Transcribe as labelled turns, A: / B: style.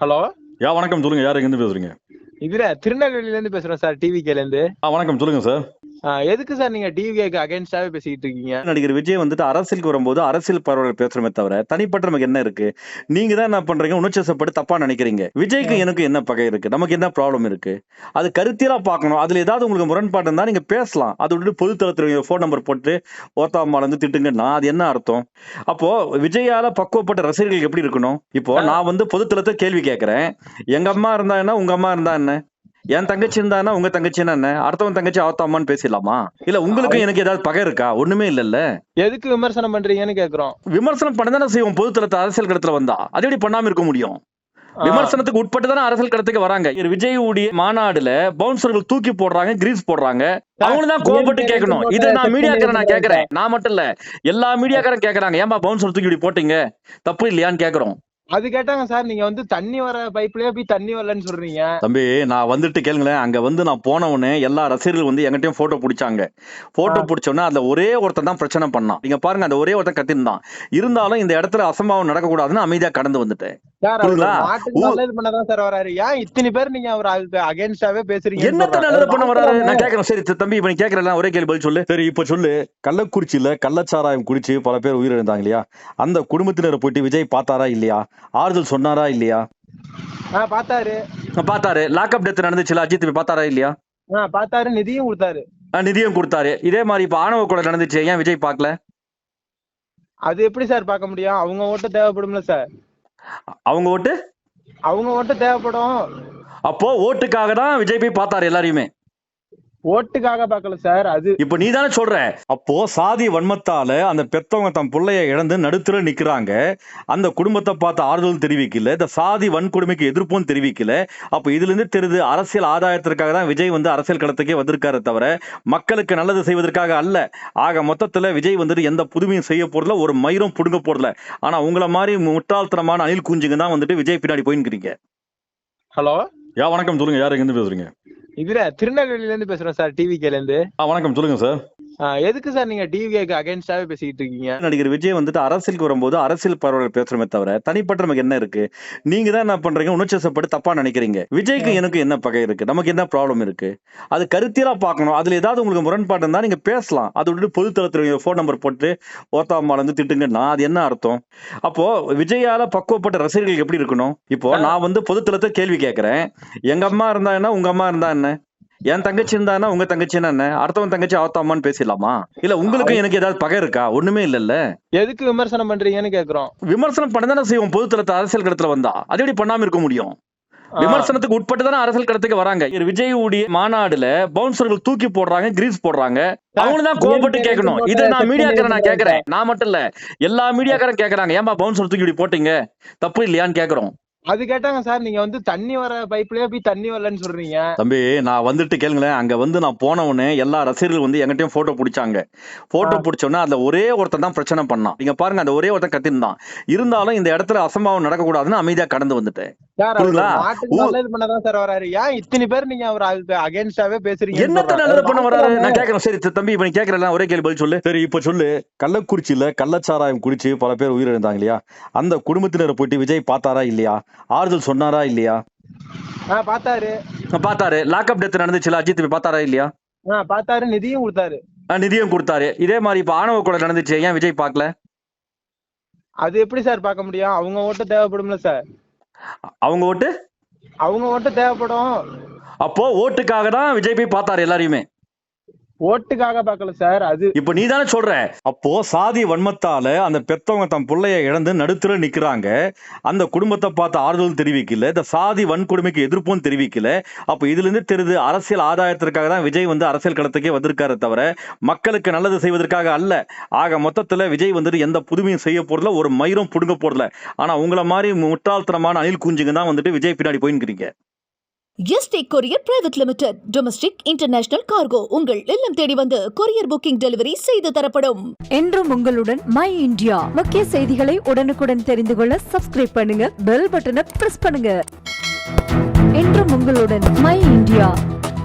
A: Hello.
B: வணக்கம். சொல்லுங்க. யார் எங்கேருந்து பேசுறீங்க?
A: திருநெல்வேலியில இருந்து பேசுறோம் சார், டிவிகேல இருந்து.
B: வணக்கம். சொல்லுங்க சார்.
A: எதுக்கு சார் நீங்க டிவிகேக்கு அகைன்ஸ்டாவே பேசிக்கிட்டு இருக்கீங்க?
B: நடிகர் விஜய் வந்துட்டு அரசியலுக்கு வரும்போது அரசியல் பரவல் பேசுறமே தவிர தனிப்பட்ட நமக்கு என்ன இருக்கு? நீங்க தான் என்ன பண்றீங்க? உணர்ச்சிவசப்பட்டு தப்பா நினைக்கிறீங்க. விஜய்க்கு எனக்கு என்ன பகை இருக்கு? நமக்கு என்ன ப்ராப்ளம் இருக்கு? அது கருத்தியலா பார்க்கணும். அதுல ஏதாவது உங்களுக்கு முரண்பாடு இருந்தா நீங்க பேசலாம். அதை விட்டு பொது தளத்துல போன் நம்பர் போட்டு ஓத்தாமால இருந்து திட்டுங்கன்னா அது என்ன அர்த்தம்? அப்போ விஜயால பக்குவப்பட்ட ரசிகர்கள் எப்படி இருக்கணும்? இப்போ நான் வந்து பொது தளத்தை கேள்வி கேட்கிறேன். எங்க அம்மா இருந்தா என்ன? உங்க அம்மா இருந்தா என்ன? என் தங்கச்சி இருந்தானா உங்க தங்கச்சின்னா என்ன? அடுத்தவன் தங்கச்சி அவத்தாமான்னு பேசிடலாமா? இல்ல உங்களுக்கு எனக்கு ஏதாவது பகை இருக்கா? ஒண்ணுமே இல்லல்ல.
A: எதுக்கு விமர்சனம் பண்றீங்கன்னு கேக்குறோம்.
B: விமர்சனம் பண்ணதானே செய்வோம். பொது தளத்தை அரசியல் களத்துல வந்தா அது எப்படி பண்ணாம இருக்க முடியும்? விமர்சனத்துக்கு உட்பட்டு தானே அரசியல் களத்துக்கு வராங்க. விஜய் உடைய மாநாடுல பவுன்சர்கள் தூக்கி போடுறாங்க, கிரீஸ் போடுறாங்க. அவங்களும் தான் கோபப்பட்டு கேட்கணும். இதை நான் மீடியாக்காரன் நான் கேட்கிறேன். நான் மட்டும் இல்ல, எல்லா மீடியாக்காரன் கேட்கறாங்க. ஏன்பா பவுன்சர் தூக்கி இப்படி போட்டீங்க, தப்பு இல்லையான்னு கேட்கிறோம்.
A: அது கேட்டாங்க சார். நீங்க வந்து தண்ணி வர பைப்லயே போய் தண்ணி வரலன்னு சொல்றீங்க.
B: தம்பி, நான் வந்துட்டு கேளுங்களேன். அங்க வந்து நான் போன உடனே எல்லா ரசிகர்கள் வந்து எங்கிட்டயும் போட்டோ பிடிச்சாங்க. போட்டோ பிடிச்சோன்னா அதுல ஒரே ஒருத்தன் தான் பிரச்சனை பண்ணான். நீங்க பாருங்க, அந்த ஒரே ஒருத்தன் கத்திருந்தான். இருந்தாலும் இந்த இடத்துல அசம்பாவம் நடக்கக்கூடாதுன்னு அமைதியா கடந்து வந்துட்டேன்.
A: நல்லது பண்ணதான் சார் வராரு. ஏன் இத்தனை பேர் நீங்க அவர் அகைன்ஸ்டாவே பேசுறீங்க?
B: என்னத்த நல்லது பண்ண வராரு? நான் கேட்கறேன். சரி தம்பி, இப்ப நீ கேட்கறேன், ஒரே கேள்வி பதில் சொல்லு. சரி இப்ப சொல்லு. கள்ளக்குறிச்சியில கள்ளச்சாராயம் குடிச்சு பல பேர் உயிரிழந்தாங்க இல்லையா? அந்த குடும்பத்தினரை போயிட்டு விஜய் பார்த்தாரா இல்லையா? ஆறுதல் சொன்னாரா இல்லையா? பார்த்தாரு. லாக்அப் டெத் நடந்துச்சுல, அஜித் பார்த்தாரா இல்லையா?
A: பார்த்தாரு. நிதியும்
B: கொடுத்தாரு. இதே மாதிரி இப்ப ஆணவ கொலை நடந்துச்சு, ஏன் விஜய் பார்க்கல?
A: அது எப்படி சார் பார்க்க முடியும்? அவங்க ஓட்டு தேவைப்படும்ல சார்.
B: அவங்க ஓட்டு
A: தேவைப்படும்.
B: அப்போ ஓட்டுக்காக தான் விஜய் போய் பார்த்தாரு எல்லாரையுமே.
A: ஓட்டுக்காக பார்க்கல சார். அது
B: இப்ப நீ தானே சொல்ற. அப்போ சாதி வன்மத்தால அந்த பெத்தவங்க தம் பிள்ளைய இழந்து நடுத்தர நிக்கிறாங்க. அந்த குடும்பத்தை பார்த்து ஆறுதல் தெரிவிக்கல, இந்த சாதி வன்கொடுமைக்கு எதிர்ப்பும் தெரிவிக்கல. அப்ப இதுல இருந்து தெரியுது, அரசியல் ஆதாயத்திற்காக தான் விஜய் வந்து அரசியல் களத்துக்கே வந்திருக்காரு தவிர மக்களுக்கு நல்லது செய்வதற்காக அல்ல. ஆக மொத்தத்துல விஜய் வந்துட்டு எந்த புதுமையும் செய்ய போறதுல, ஒரு மயிரும் புடுங்க போறதுல. ஆனா உங்களை மாதிரி முட்டாள்தனமான அணில் குஞ்சுங்க தான் வந்துட்டு விஜய் பின்னாடி போயின்னுக்கிறீங்க.
A: ஹலோ.
B: வணக்கம். சொல்லுங்க. யார் எங்கிருந்து பேசுறீங்க?
A: திருநெல்வேலியில இருந்து பேசுறோம் சார், டிவிகேல இருந்து.
B: வணக்கம். சொல்லுங்க சார்.
A: எதுக்கு சார் நீங்க டிவிகேக்கு அகைன்ஸ்டாவே பேசிக்கிட்டு இருக்கீங்க?
B: நடிகர் விஜய் வந்துட்டு அரசியலுக்கு வரும்போது அரசியல் பரவல் பேசுறமே தவிர தனிப்பட்ட நமக்கு என்ன இருக்கு? நீங்க தான் என்ன பண்றீங்க? உணர்ச்சிவசப்பட்டு தப்பா நினைக்கிறீங்க. விஜய்க்கு எனக்கு என்ன பகை இருக்கு? நமக்கு என்ன ப்ராப்ளம் இருக்கு? அது கருத்தியலா பார்க்கணும். அதுல ஏதாவது உங்களுக்கு முரண்பாடு இருந்தா நீங்க பேசலாம். அதை விட்டு பொது தளத்துல போன் நம்பர் போட்டு ஓத்தாமால இருந்து திட்டுங்கன்னா அது என்ன அர்த்தம்? அப்போ விஜயால பக்குவப்பட்ட ரசிகர்கள் எப்படி இருக்கணும்? இப்போ நான் வந்து பொது தளத்தை கேள்வி கேட்கிறேன். எங்க அம்மா இருந்தா என்ன? உங்க அம்மா இருந்தா என்ன? என் தங்கச்சி இருந்தானா உங்க தங்கச்சின்னா என்ன? அடுத்தவன் தங்கச்சி அவத்தாமான்னு பேசிடலாமா? இல்ல உங்களுக்கு எனக்கு ஏதாவது பகை இருக்கா? ஒண்ணுமே இல்லல்ல.
A: எதுக்கு விமர்சனம் பண்றீங்கன்னு கேக்குறோம்.
B: விமர்சனம் பண்ணதானே செய்வோம். பொது தளத்தை அரசியல் களத்துல வந்தா அது எப்படி பண்ணாம இருக்க முடியும்? விமர்சனத்துக்கு உட்பட்டு தானே அரசியல் களத்துக்கு வராங்க. விஜய் உடைய மாநாடுல பவுன்சர்கள் தூக்கி போடுறாங்க, கிரீஸ் போடுறாங்க. அவங்களும் தான் கோபப்பட்டு கேட்கணும். இதை நான் மீடியாக்காரன் நான் கேட்கிறேன். நான் மட்டும் இல்ல, எல்லா மீடியாக்காரன் கேட்கறாங்க. ஏன்பா பவுன்சர் தூக்கி இப்படி போட்டீங்க, தப்பு இல்லையான்னு கேட்கிறோம்.
A: அது கேட்டாங்க சார். நீங்க வந்து தண்ணி வர பைப்லயே போய் தண்ணி வரலன்னு சொல்றீங்க.
B: தம்பி, நான் வந்துட்டு கேளுங்களேன். அங்க வந்து நான் போன உடனே எல்லா ரசிகர்கள் வந்து எங்கிட்டயும் போட்டோ பிடிச்சாங்க. போட்டோ பிடிச்சோன்னா அதுல ஒரே ஒருத்தன் தான் பிரச்சனை பண்ணான். நீங்க பாருங்க, அந்த ஒரே ஒருத்தன் கத்திருந்தான். இருந்தாலும் இந்த இடத்துல அசம்பாவம் நடக்கக்கூடாதுன்னு அமைதியா கடந்து வந்துட்டேன்.
A: நல்லது பண்ணதான் சார் வராரு. ஏன் இத்தனை பேர் நீங்க அவர் அகைன்ஸ்டாவே பேசுறீங்க?
B: என்னத்த நல்லது பண்ண வராரு? நான் கேட்கறேன். சரி தம்பி, இப்ப நீ கேட்கறேன், ஒரே கேள்வி பதில் சொல்லு. சரி இப்ப சொல்லு. கள்ளக்குறிச்சியில கள்ளச்சாராயம் குடிச்சு பல பேர் உயிரிழந்தாங்க இல்லையா? அந்த குடும்பத்தினரை போயிட்டு விஜய் பார்த்தாரா இல்லையா? ஆறுதல் சொன்னாரா இல்லையா? பார்த்தாரு. லாக்அப் டெத் நடந்துச்சுல, அஜித் பார்த்தாரா இல்லையா?
A: பார்த்தாரு. நிதியும்
B: கொடுத்தாரு. இதே மாதிரி இப்ப ஆணவ கொலை நடந்துச்சு, ஏன் விஜய் பார்க்கல?
A: அது எப்படி சார் பார்க்க முடியும்? அவங்க ஓட்டு தேவைப்படும்ல சார்.
B: அவங்க ஓட்டு
A: தேவைப்படும்.
B: அப்போ ஓட்டுக்காக தான் விஜய் போய் பார்த்தாரு எல்லாரையுமே.
A: ஓட்டுக்காக பார்க்கல சார். அது
B: இப்ப நீ தானே சொல்ற. அப்போ சாதி வன்மத்தால அந்த பெத்தவங்க தம் பிள்ளைய இழந்து நடுத்தர நிக்கிறாங்க. அந்த குடும்பத்தை பார்த்து ஆறுதல் தெரிவிக்கல, இந்த சாதி வன்கொடுமைக்கு எதிர்ப்பும் தெரிவிக்கல. அப்ப இதுல இருந்து தெரியுது, அரசியல் ஆதாயத்திற்காக தான் விஜய் வந்து அரசியல் களத்துக்கே வந்திருக்காரு தவிர மக்களுக்கு நல்லது செய்வதற்காக அல்ல. ஆக மொத்தத்துல விஜய் வந்துட்டு எந்த புதுமையும் செய்ய போறதுல, ஒரு மயிரும் புடுங்க போறதுல. ஆனா உங்களை மாதிரி முட்டாள்தனமான அணில் குஞ்சுங்க தான் வந்துட்டு விஜய் பின்னாடி போயின்னுக்கிறீங்க.
C: ST courier private limited. Domestic international cargo உங்கள் இல்லம் தேடி வந்து கொரியர் புக்கிங் டெலிவரி செய்து தரப்படும்.
D: என்றும் உங்களுடன் மை இந்தியா. முக்கிய செய்திகளை உடனுக்குடன் தெரிந்து கொள்ள சப்ஸ்கிரைப் பண்ணுங்க, பெல் பட்டனை பிரஸ் பண்ணுங்க. என்றும் உங்களுடன் மை இந்தியா.